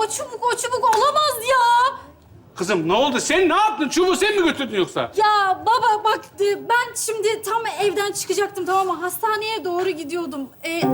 o çubuk olamaz ya. Kızım ne oldu? Sen ne yaptın? Çubuğu sen mi götürdün yoksa? Ya baba bak ben şimdi tam evden çıkacaktım, tamam mı? Hastaneye doğru gidiyordum.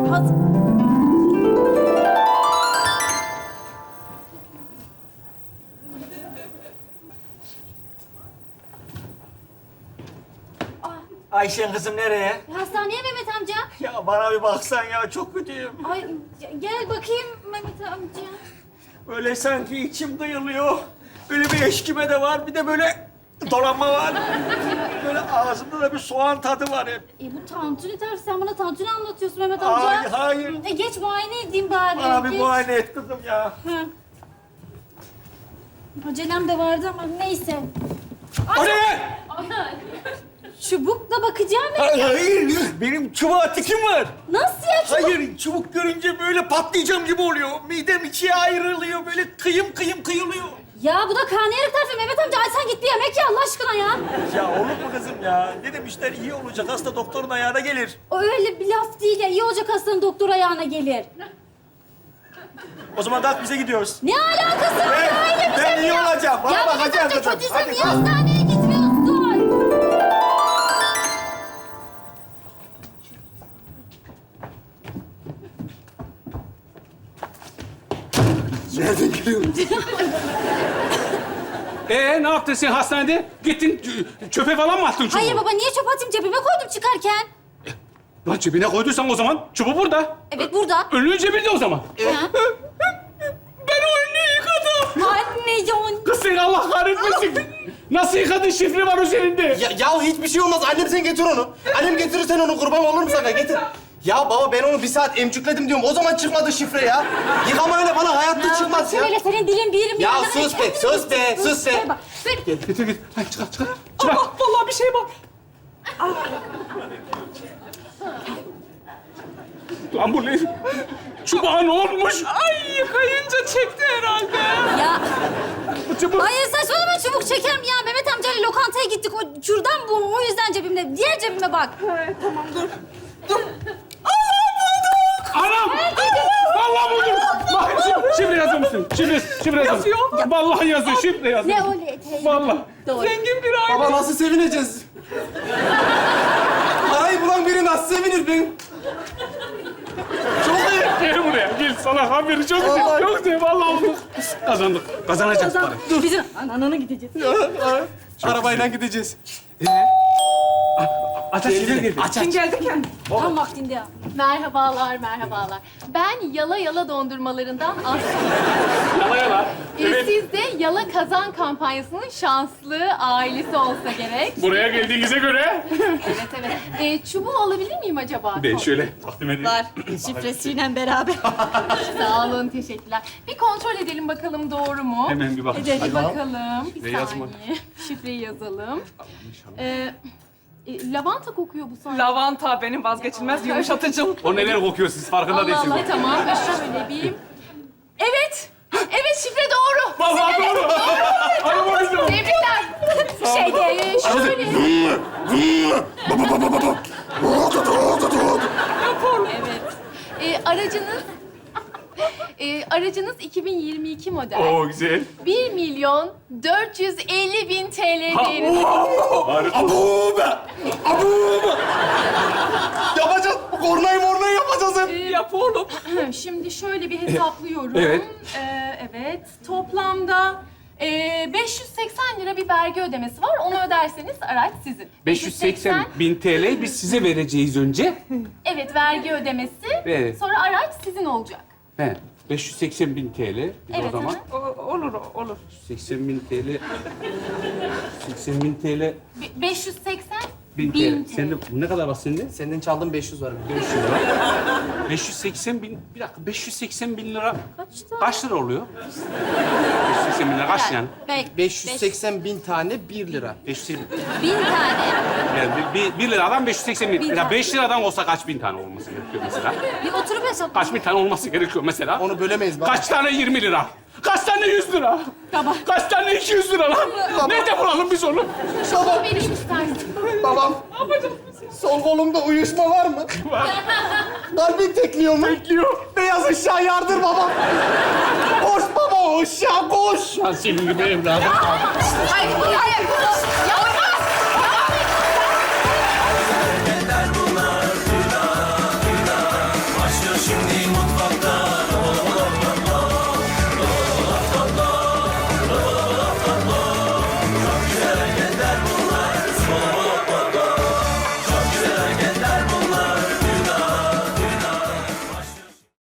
Ayşen kızım nereye? Hastaneye Mehmet amca. Ya bana bir baksan ya, çok kötüyüm. Ay gel bakayım Mehmet amca. Böyle sanki içim kıyılıyor. Böyle bir eşkime de var, bir de böyle dolanma var. Böyle ağzımda da bir soğan tadı var hep. Bu tantuni tersi. Sen bana tantuni anlatıyorsun Mehmet amca. Hayır, hayır. Geç muayene edeyim bari. Bana bir geç. muayene et kızım ya. Ha. Acelem de vardı ama neyse. O ne? Çubukla bakacağım. Hayır, benim çubuğa tikim var. Nasıl ya çubuk? Hayır, çubuk görünce böyle patlayacağım gibi oluyor. Midem ikiye ayrılıyor, böyle kıyım kıyım kıyılıyor. Ya bu da karnıyarık tarifi Mehmet amca. Ay sen git bir yemek ye Allah aşkına ya. Ya olur mu kızım ya? Ne demişler, iyi olacak hasta doktorun ayağına gelir. O öyle bir laf değil ya. İyi olacak hastanın doktor ayağına gelir. O zaman kalk bize gidiyoruz. Ne alakası var ya? Öyle bir şey Ben mi iyi ya? olacağım. Bana Ya Mehmet bakacağım amca kızım. kötüysen Hadi niye kalk. hastaneye gitmiyorsun? Nereden geliyorum? Ne yaptın sen hastanede? Gittin çöpe falan mı attın çubuğu? Hayır baba niye çöp atayım? Cebime koydum çıkarken. Lan cebine koyduysan o zaman çubuğu burada. Evet burada. Önlüğün cebinde o zaman. Ha? Ben o önlüğü yıkadım. Anne can. Kız seni Allah kahretmesin. Nasıl yıkadın? Şifre var üzerinde. Ya hiçbir şey olmaz. Annem sen getir onu. Annem getirirsen onu kurban olurum sana. Getir. Ya baba ben onu bir saat emcükledim diyorum. O zaman çıkmadı şifre ya. Yıkamayla bana hayatta çıkmaz ya. Şöyle senin dilin bir yerim bir Ya yanına- sus be, sus be, sus be. Ver bak, ver. Getir git. Hadi çıkar çıkar. Çıkar. Vallahi bir şey var. Lan bu ne? Çubuğa ne olmuş? Ay yıkayınca çekti herhalde. Ya Bu çubuk. hayır saçmalama çubuk çekerim ya. Mehmet amcayla lokantaya gittik. O kürdan bu. O yüzden cebimde. Diğer cebime bak. Tamam dur. Anam! Vallahi buldum. Bak, şifre yazıyor musun? Şifre yazıyor. Yazıyor. Vallahi yazıyor. Şifre yazıyor. Ne öyle eteği? Vallahi. Doğru. Zengin bir aile. Baba nasıl sevineceğiz? Parayı bulan biri nasıl sevinir ben? Çok iyi. Gel buraya. Gel sana haberi çok Vallahi. Yok diye vallahi olduk. Kazandık. Kazanacağız para. Dur bizim anana gideceğiz. Arabayla gideceğiz. Aç aç geldi. Kim geldi kendi? Tam vaktinde ya. Merhabalar, merhabalar. Ben Yala Yala dondurmalarından Aslı. Yala yala. Evet. Siz de Yala Kazan kampanyasının şanslı ailesi olsa gerek. Buraya geldiğinize göre. Evet, evet. Çubuğu alabilir miyim acaba? Ben şöyle takdim edeyim. Var. Şifresiyle beraber. Sağ olun, teşekkürler. Bir kontrol edelim bakalım doğru mu? Hemen bir bakın. Bir bakalım. Bir Ne yazma? saniye. Şifreyi yazalım. Lavanta kokuyor bu sanki. Lavanta benim vazgeçilmez yumuşatıcım. O neler kokuyor siz farkında Allah değilsiniz. Allah, tamam. Şöyle bir... Evet. Evet, şifre doğru. Vallahi doğru. Arabayı da. Tebrikler. Şöyle... Evet. Aracınız 2022 model. Oo güzel. 1.450.000 TL değerinde. Harika. Abu be! Abu be! Yapacağız. Kornayı yapacağız hep. Yap oğlum. Şimdi şöyle bir hesaplıyorum. Evet. Evet. Toplamda 580 lira bir vergi ödemesi var. Onu öderseniz araç sizin. 580.000 TL biz size vereceğiz önce. Evet, vergi ödemesi. Evet. Sonra araç sizin olacak. He. 580.000 TL. Biz Evet, o zaman Olur, olur. 80.000 TL. 80.000 TL. 580 1000 bin TL. TL. Sende ne kadar var sende? Senden çaldığım 500 var. 580.000. Bir dakika 580.000 lira. Kaçta? Kaç lira oluyor? 580.000 lira kaç yani? 580.000 tane 1 lira. 580.000. 1000 tane. Yani bir liradan 580.000. Bin Ya tane. 5 liradan olsa kaç bin tane olması gerekiyor mesela? Bir oturup hesap. Kaç bin tane olması gerekiyor mesela? Onu bölemeyiz baba. Kaç tane 20 lira? Kaç tane 100 lira? Tamam. Kaç tane 200 lira lan? Nerede bulalım biz onu? Şunu vereyim istersen. Babam. Sol kolumda uyuşma var mı? Kalbin tekliyor mu? Bekliyor. Beyaz ışığa yardır babam. Hoş baba şu an senin gibi evladım. Hayır, hayır. Ya